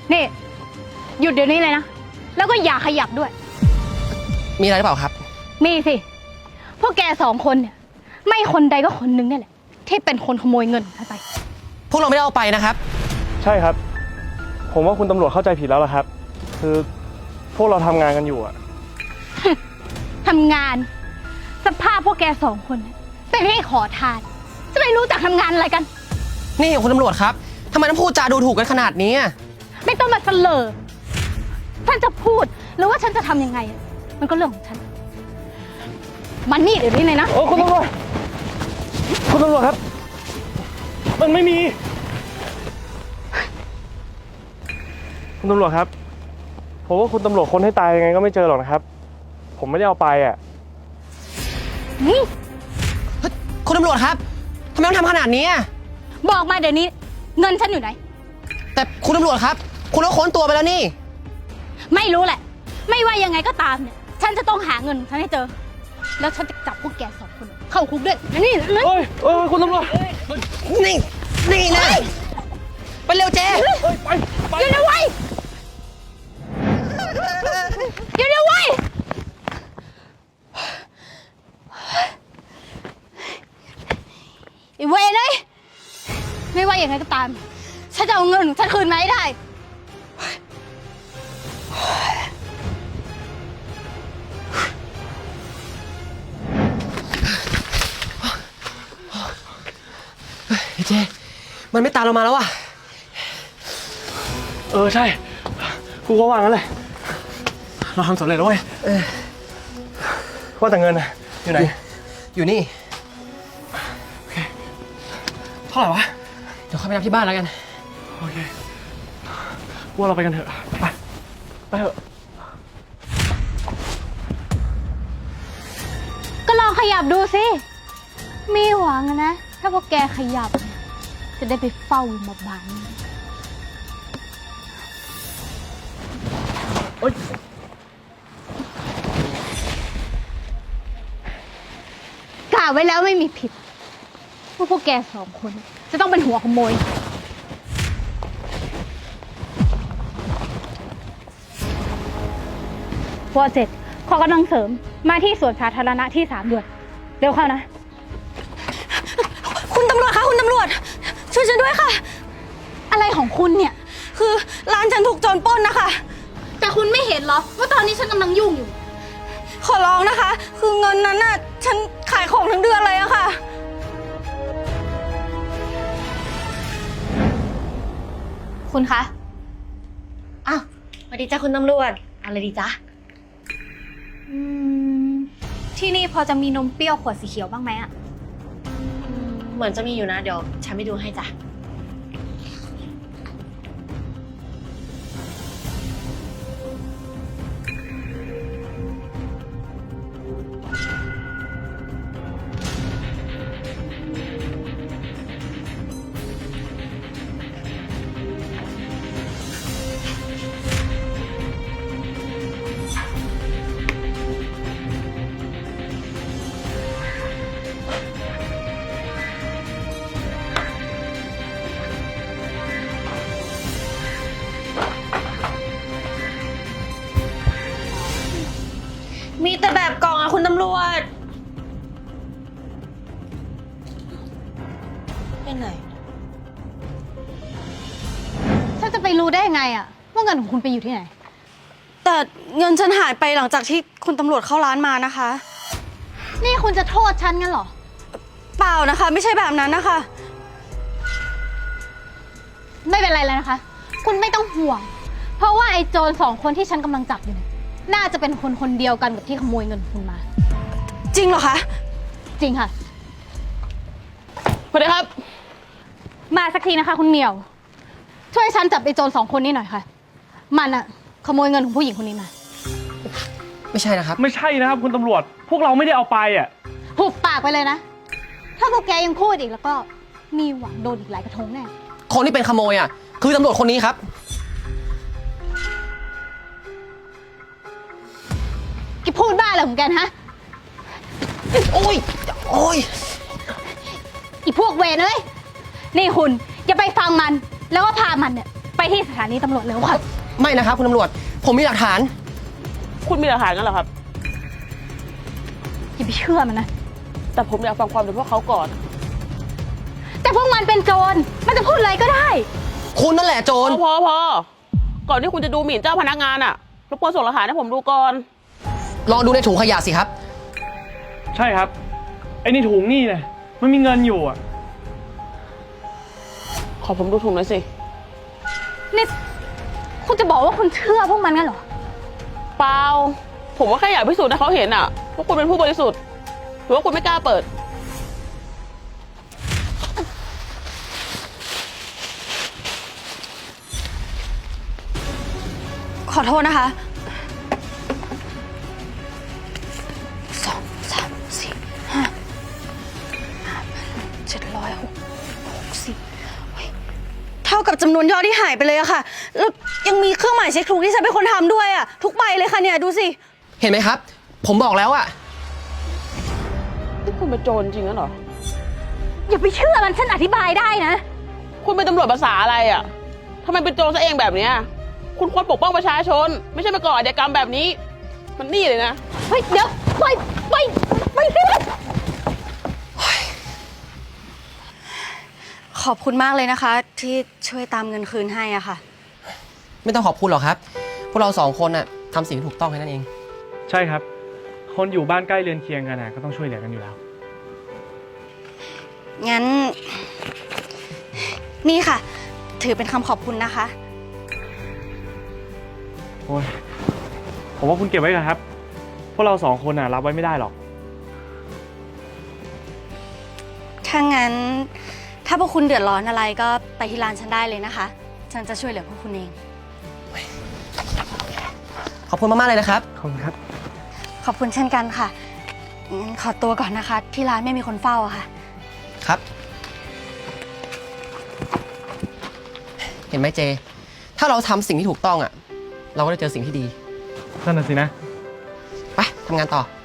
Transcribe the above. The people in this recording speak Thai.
นี่หยุดเดี๋ยวนี้เลยนะแล้วก็อย่าขยับด้วยมีอะไรหรือเปล่าครับมีสิพวกแก2 คนเนี่ยไม่คนใดก็คนหนึ่งนี่แหละที่เป็นคนขโมยเงินฉันไปพวกเราไม่ได้เอาไปนะครับใช่ครับผมว่าคุณตำรวจเข้าใจผิดแล้วล่ะครับคือพวกเราทำงานกันอยู่อะทำงานสภาพพวกแก2 คนเป็นให้ขอทานจะไม่รู้จักทำงานอะไรกันนี่คุณตำรวจครับทำไมต้องพูดจาดูถูกกันขนาดนี้ไม่ต้องมาเสลอฉันจะพูดหรือว่าฉันจะทำยังไงมันก็เรื่องของฉันมันนี่เดี๋ยวนี้เลยนะโอ้คุณตำรวจครับ มันไม่มีคุณตำรวจครับผมว่าคุณตำรวจคนให้ตายยังไงก็ไม่เจอหรอกนะครับผมไม่ได้เอาไปอ่ะนี่คุณตำรวจครับทำไมต้องทำขนาดนี้บอกมาเดี๋ยวนี้เงินฉันอยู่ไหนแต่คุณตำรวจครับคุณก็ค้นตัวไปแล้วนี่ไม่รู้แหละไม่ว่ายังไงก็ตามเนี่ยฉันจะต้องหาเงินฉันให้เจอแล้วฉันจะจับพวกแก2 คนเข้าคุกด้วยนี่เฮ้ยคุณตำรวจนี่นะไปเร็วเจ๊ไปเดี๋ยวไว้เดี๋ยวไว้ไอ้เวรเลยไม่ว่ายังไงก็ตามฉันจะเอาเงินฉันคืนมาให้ได้เจ๊มันไม่ตามเรามาแล้วใช่กูก็ว่างั้นเลยเราทำสำเร็จแล้วเว้ยว่าแต่เงินนะอยู่ไหนอยู่นี่โอเคเท่าไหร่วะเดี๋ยวเข้าไปนับที่บ้านแล้วกันโอเคว่าเราไปกันเถอะไปเถอะก็ลองขยับดูสิมีหวังนะถ้าพวกแกขยับจะได้ไปเฝ้ามาบ้านกะไว้แล้วไม่มีผิดว่าพวกแก2 คนจะต้องเป็นหัวขโมยวอ7ขอกำลังเสริมมาที่สวนสาธารณะที่3ด่วนเร็วเข้านะคุณตำรวจคะคุณตำรวจช่วยฉันด้วยค่ะอะไรของคุณเนี่ยคือร้านฉันถูกโจรปล้นนะคะแต่คุณไม่เห็นเหรอว่าตอนนี้ฉันกำลังยุ่งอยู่ขอร้องนะคะคือเงินนั้นน่ะฉันขายของทั้งเดือนเลยอะค่ะคุณคะอ้าวสวัสดีจ้าคุณตำรวจอะไรดีจ๊ะที่นี่พอจะมีนมเปรี้ยวขวดสีเขียวบ้างไหมอะเหมือนจะมีอยู่นะเดี๋ยวฉันไปดูให้จ้ะมีแต่แบบกล่องอะคุณตำรวจเป็นไหนฉันจะไปรู้ได้ไงอะว่าเงินของคุณไปอยู่ที่ไหนแต่เงินฉันหายไปหลังจากที่คุณตำรวจเข้าร้านมานะคะนี่คุณจะโทษฉันงั้นเหรอเปล่านะคะไม่ใช่แบบนั้นนะคะไม่เป็นไรเลยนะคะคุณไม่ต้องห่วงเพราะว่าไอ้โจร2 คนที่ฉันกำลังจับอยู่น่าจะเป็นคนเดียวกันกับที่ขโมยเงินคุณมาจริงเหรอคะจริงค่ะสวัสดีครับมาสักทีนะคะคุณเหมียวช่วยฉันจับไอ้โจร2 คนนี้หน่อยค่ะมันอะขโมยเงินของผู้หญิงคนนี้มาไม่ใช่นะครับไม่ใช่นะครับคุณตำรวจพวกเราไม่ได้เอาไปอ่ะหุบปากไปเลยนะถ้าพวกแกยังพูดอีกแล้วก็มีหวังโดนอีกหลายกระทงแน่คนที่เป็นขโมยคือตำรวจคนนี้ครับแกพูดบ้าอะไรของแกฮะโอ้ยอีพวกเวรเอ้ยนี่คุณอย่าไปฟังมันแล้วก็พามันเนี่ยไปที่สถานีตำรวจเร็วค่ะไม่นะครับคุณตำรวจ ผมมีหลักฐานคุณมีหลักฐานกันเหรอครับอย่าไปเชื่อมันนะแต่ผมอยากฟังความจากพวกเขาก่อนแต่พวกมันเป็นโจร มันจะพูดอะไรก็ได้คุณนั่นแหละโจรพอก่อนที่คุณจะดูหมิ่นเจ้าพนักงานอะรบกวนส่งหลักฐานให้ผมดูก่อนลองดูในถุงขยะสิครับใช่ครับ ไอ้นี่ถุงนี่นะมันมีเงินอยู่อ่ะขอผมดูถุงหน่อยสินี่ คุณจะบอกว่าคุณเชื่อพวกมันงั้นเหรอเปล่า ผมว่าแค่อยากพิสูจน์ให้เขาเห็นอะว่าคุณเป็นผู้บริสุทธิ์หรือว่าคุณไม่กล้าเปิดขอโทษนะคะ 2 3 4 5 760เท่ากับจำนวนยอดที่หายไปเลยอะค่ะ แล้วยังมีเครื่องหมายเช็คถูกที่ฉันเป็นคนทำด้วยอะทุกใบเลยค่ะเนี่ยดูสิเห็นไหมครับ ผมบอกแล้วอะนี่คุณเป็นโจรจริงงั้นเหรออย่าไปเชื่อมัน ฉันอธิบายได้นะคุณเป็นตำรวจภาษาอะไรอะทำไมเป็นโจรซะเองแบบเนี้ยคุณควรปกป้องประชาชน ไม่ใช่มาก่ออาชญากรรมแบบนี้ มันนี่เลยนะเฮ้ย เดี๋ยวไปสิขอบคุณมากเลยนะคะ ที่ช่วยตามเงินคืนให้อะค่ะไม่ต้องขอบคุณหรอกครับ พวกเราสองคนน่ะทำสิ่งที่ถูกต้องแค่นั้นเองใช่ครับ คนอยู่บ้านใกล้เรือนเคียงกันนะก็ต้องช่วยเหลือกันอยู่แล้วงั้น นี่ค่ะ ถือเป็นคำขอบคุณนะคะโอ้ย ผมว่าคุณเก็บไว้ก่อนครับ พวกเราสองคนน่ะรับไว้ไม่ได้หรอกถ้างั้น ถ้าพวกคุณเดือดร้อนอะไรก็ไปที่ร้านฉันได้เลยนะคะ ฉันจะช่วยเหลือพวกคุณเองขอบคุณมากๆเลยนะครับขอบคุณครับขอบคุณเช่นกันค่ะ งั้นขอตัวก่อนนะคะ ที่ร้านไม่มีคนเฝ้าอะค่ะครับ เห็นไหมเจ ถ้าเราทำสิ่งที่ถูกต้องอะเราก็ได้เจอสิ่งที่ดีนั่นน่ะสินะไปทำงานต่อ